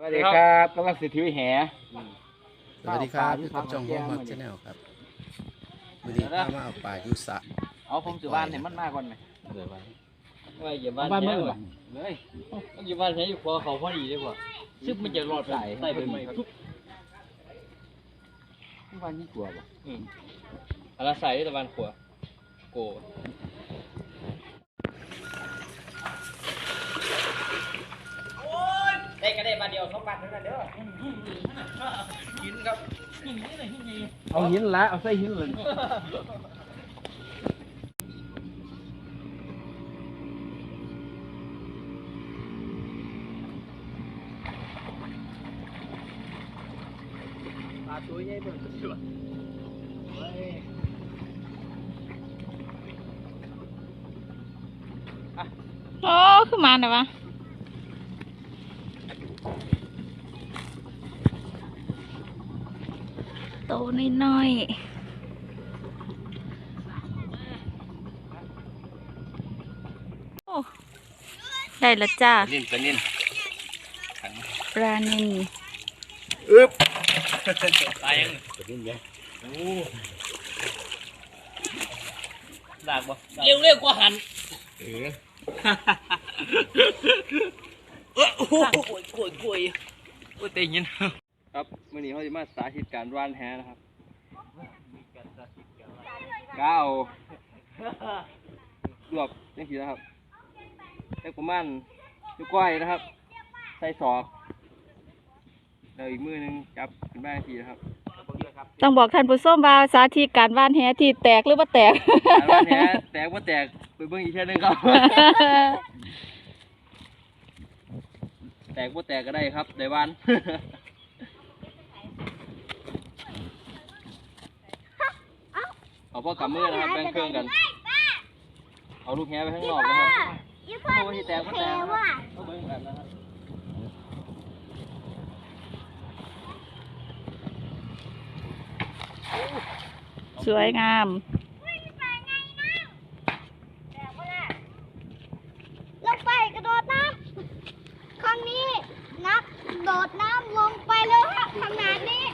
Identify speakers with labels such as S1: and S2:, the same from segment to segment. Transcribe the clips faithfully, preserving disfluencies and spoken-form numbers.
S1: วัสดีครับกำลังสิถือแห
S2: สวัสดีครับพี่กับจองห้องมักชาแนลครับวันนี้ข้ามาเอาปลายุสะ
S1: เอาผมอยู่บ้านเห็นมันมากก่อนไหม
S2: เดี๋ยววัน
S3: ว่าอย่าบ้านแท้เลยอย่าบ้านแท้อยู่พอเขาพอดีเลยว่ะซึ่งมันจะรอดใส่ใส่เป็นไม่ทุก
S1: บ้านนี่กลัวป่ะ
S3: อืมอะไรใส่ตะวันขวาโกได้ก็ได้บาทเดียวสองบาทเท่านั้นเด้อหินครับหินนี่เลยหินนี่
S1: เอาหินละเอาใส่หินเลยปลาตัวใหญ่เบิ่งสุด
S4: โอ้ขึ้นมาหน่อยวะโตน้อยๆโอ้ได้แล้วจ้า
S1: ปลานิ่นปลานิ่น
S4: ปลานิล
S1: อึ๊บ
S3: ตายยัง
S1: ปลานิ่นไง
S3: โอ้หลากบ่เร็วเร็วกว่าหัน
S1: เออ
S3: เออโอ้โหกล้วยกล้วยกล้วยโอ้เตยินครับวันนี้เขาจะมาสาธิตการว่านแหนะครับก้าวรวบนี่คือนะครับแล้ประมาณนิ้วก้อยนะครับใส่ศอกแล้วอีกมือนึงจับขึ้นมาทีนะครับ
S4: ต้องบอกท่านผู้ชมว่าสาธิตการว่านแหที่แตกหรือว่าแตก
S3: การว่านแหแตกว่าแตกไปเบิ่งอีกแค่นึงครับแตกว่าแตกก็ได้ครับได้วันเอาพ่อกำมือนะครับแบ่งเครื่องกันเอาลูกแหไปข้างนอกนะครับเพราะว่าที่แตกว่าแตกก็เบิ่งกันนะครับ
S4: สวยงาม
S5: ลงไปกระโดดน้ำครั้งนี้นักโดดน้ำลงไปเลยฮะขนาดนี้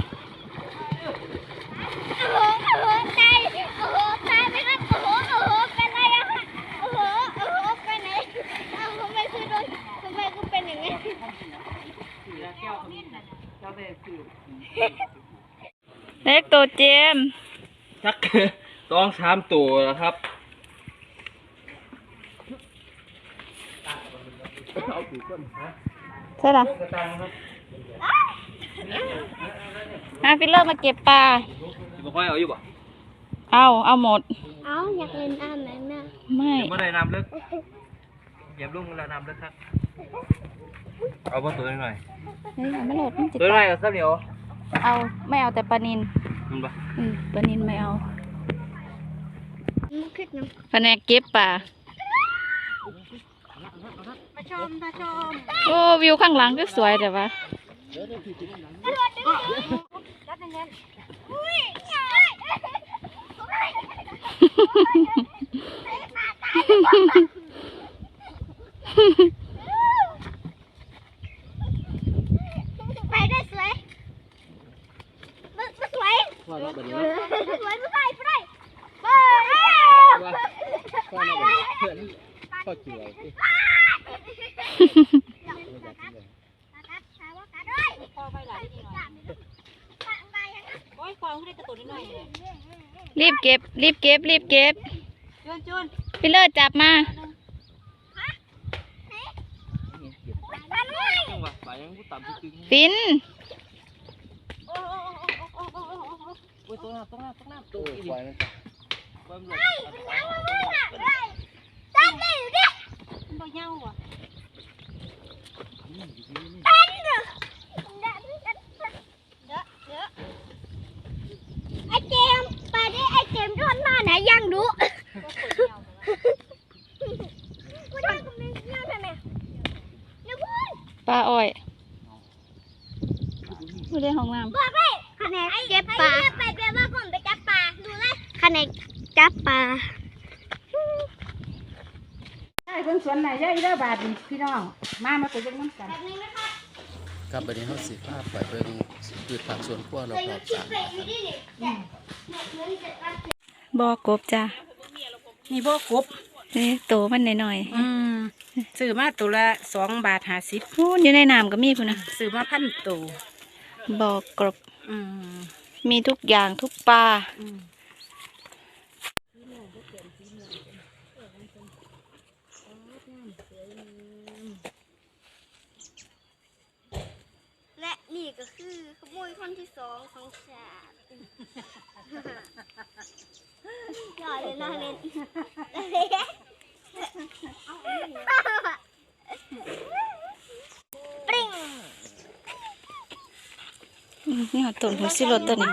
S5: โอ้โหโอ้โหใจโอ้โหใจไหมครับโอ้โหโอ้โหเป็นไรอะฮะโอ้โหโอ้โหไปไหนอ้าวทำไมคือโดนทำไมคือเป็นอย่างนี้
S4: เล็กตัวเจม
S3: ชักต้องสามตัวนะครับ
S4: ใช่หรอฮะฟิลเลอร์มาเก็บปลา
S3: บ่ค่อยเอาอยู่บ่
S4: เอาเอาหมด
S5: เอาอยากเล่นน้ำไหมแม่
S4: ไม่
S3: เมื่อไรน้ำลึกเหยียบลุ่งแล้วน้ำลึกครับเอาบ่ตัวหน่อย
S4: เฮ้ยไม่โหลดมันจิต
S3: ตัวหน่อยกับข้าวเหนียว
S4: เอาไม่เอาแต่ปลานิล
S3: มันปะ
S4: อืมปลานิลไม่เอา
S5: แ
S4: ผนกเก็บปลา
S5: มาชมมาชม
S4: โอ้วิวข้างหลังก็สวยแต่ว่า
S5: ไปได้สวยมันสวยมันสวยมันสวยไม่ไปไม่ได้ไป
S1: ข้อเกี่ยว
S4: รีบเก็บรีบเก็บรีบเก็บพี่เลิศจับมาฟิน
S3: ตัวน้ำตัวน้ำตัวน้ำตัวอีก
S5: ตั้งได้อยู่ดิมันบ่เย้าอ่ะตั้งเด้อเด้อเด้อไอ้เจมไปดิไอ้เจมทนมาไหนยังดู
S4: ปลาอ้อยไม่ได้ห้องน้ำ
S5: บอกเลยคะแนนเก็บปลาไปเปียว่าผมไปจับปลาดูเลยคะแนนจับปลา
S4: ได้เพิ่งสวนไหนได้ได้บาทพี่น้องมามาไปเล่นน้ำกัน
S5: แบบนี้นะคะ
S2: ครับวันนี้เฮาสิพาไปเบิ่งพืชผักสวนครัวรอบๆศาลนะครับ
S4: บ่อกบจ้ะ
S6: นี่บ่กบ
S4: นี่โตมันหน่อย
S6: อืมซื้อมาตัวละสองบาทห้าสิบ
S4: ๆนู่นอยู่ในน้ำก็มีพุ่นนะ
S6: ซื้อมาพันตัว
S4: บ่อกบ
S6: อืม
S4: มีทุกอย่างทุกปลา
S6: อืม
S5: และนี่ก็คือขโมยคนที่สองของชาติอย่าเลยนะเล่นปริ้ง
S4: อืมนี่ต้นหัวสิรสตัวนี้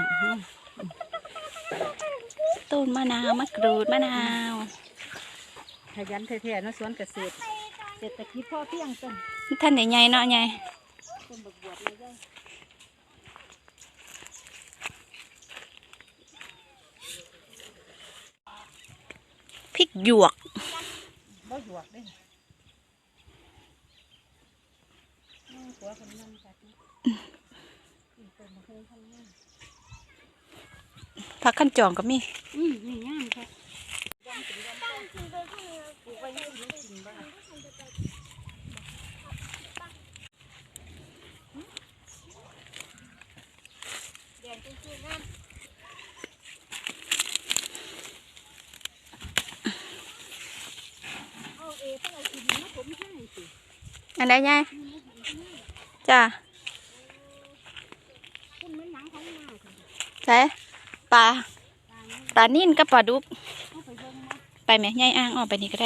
S4: ต้นมะนาวมะกรูดมะนาว
S6: ขยันแท้ๆเนาะสวนเกษตรเศรษฐกิจพอเพียงต้น
S4: ท่านใหญ่ๆเนาะใหญ่
S6: ต้นบักบวบเลยได้
S4: พริกหยวก
S6: บ่หยวกเด้อืมหัวคนนั่งจัดนะอืมต้นมะเขือพันธุ์งาม
S4: ผักขั้นจองก็มี
S6: อืมนี่งามค่ะเอาเอเพิ่งเอากินมาผมให้สิ
S4: อันใดใหญ่จ้ะ
S6: คุณมันหนังของมาค่ะ
S4: ใช่ปลาปลานิ่นกับปลาดุก
S6: เอาไปเบิ่งมา
S4: ไปไหมใหญ่อ่างออกไปนี่ก็ได้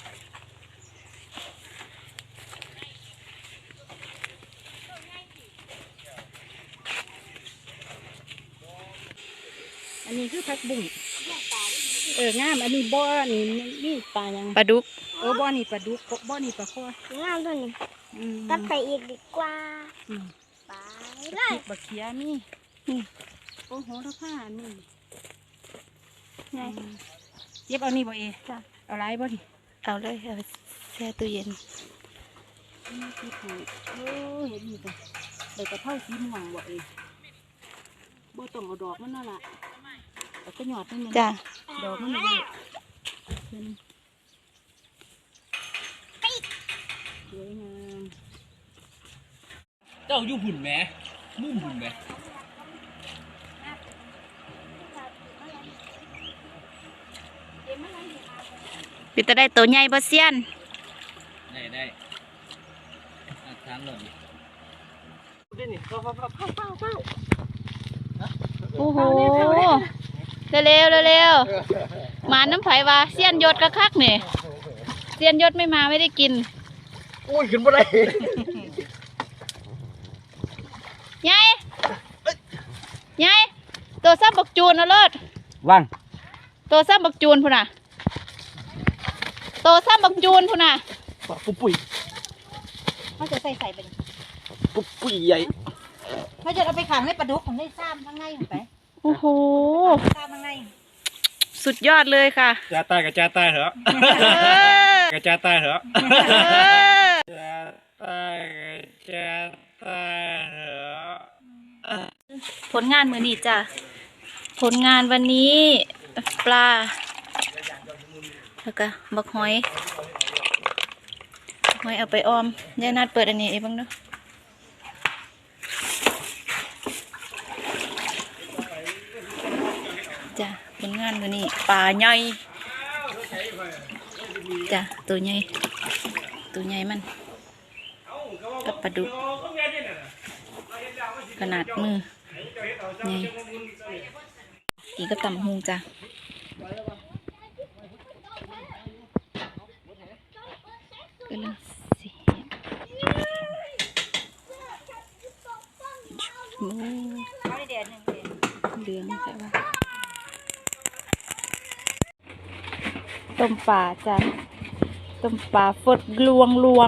S6: อันนี้คือผักบุ้งเอองามอันนี้บ่อนี่นี่ปลายัง
S4: ปลาดุก
S6: เออบ่อนี่ปลาดุกบ่อนี่ปลาคอง
S5: ามตัวนี้
S6: อืม
S5: ตัดไปอีกดีกว่า
S6: อืม
S5: ไป
S6: บัก
S5: เล
S6: พริ
S5: ย
S6: กบักเขียมี
S4: นี่
S6: โอ้โหระผ้านี่
S4: ใหญ่
S6: เย็บเอานี่บ่เอ
S4: จ้ะ
S6: เอาไรบ่ดิ
S4: เอาเลยเอาแช่ตู้เย็น
S6: นี่คือถูกโอ้เห็นนี่จ้ะใบกระเพราสีม่วงบ่เอบ่ต้องเอาดอกมันนั่นล่ะแต่ก็หยอดนิดนึง
S4: จ้ะ
S6: ดอกมันนี่เป็นสวยงาม
S1: เจ้าอยู่หุ่นแหมมุ่มหุ่นแหม
S4: ปิดตาได้ตัวใหญ่บ่เซียน
S1: ได้ได้อาทานหล่น
S4: โอ้โหเร็วเร็วเร็วๆมาน้ำไผ่ว่าเซียนยศกระคักนี่เซียนยศไม่มาไม่ได้กิน
S1: อุ้ยขึ้นบ่ได้
S4: ใหญ่ใหญ่ตัวซ้ำบักจูนเอาเลิศ
S1: ว่าง
S4: ตัวซ้ำบักจูนพุ่นน่ะตัวซ้ำบักจูนพุ่นน่ะ
S1: ปุ๊บปุ้ย
S6: เขาจะใส่ใส่ไป
S1: ปุ๊บปุ้ยใหญ่
S6: เขาจะเอาไปขังในปลาดุกของได้ซ้ำข้างในลงไป
S4: โอ้โห
S6: ซ้ำข้างใน
S4: สุดยอดเลยค่ะ
S1: จ้าตายกับจ้าตายเถอะ
S4: เออ
S1: กับจ้าตายเถอะ
S4: เออ
S1: จ้าตายกับจ้าตายเถอะ
S4: ผลงานมือนี้จ้ะผลงานวันนี้ปลาแล้วก็บักหอยบักหอยเอาไปออมยายนัดเปิดอันนี้เองบ้างเนาะจ้ะผลงานมือนี้ปลาใหญ่จ้ะตัวใหญ่ตัวใหญ่มันกับปลาดุกขนาดมือใหญ่อีกก็ตำหุงจ้ะก็เลยสิโอ้เหลืองใช่ปะต้มปลาจ้ะต้มปลาฟดลวงลวง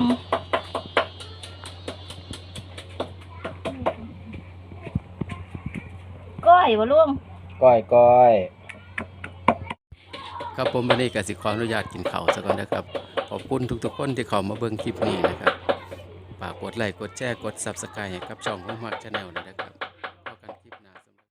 S4: ก้อยวะลุง
S1: ก้อยก้อย
S2: ครับผมวันนี้ก็สิขออนุญาตกินข้าวซะก่อนนะครับขอบคุณทุกๆคนที่เข้ามาเบิ่งคลิปนี้นะครับฝากกกดไลค์กดแชร์กด ซับสไครบ์ ให้กับช่องของมักชาแนลด้วยนะครับ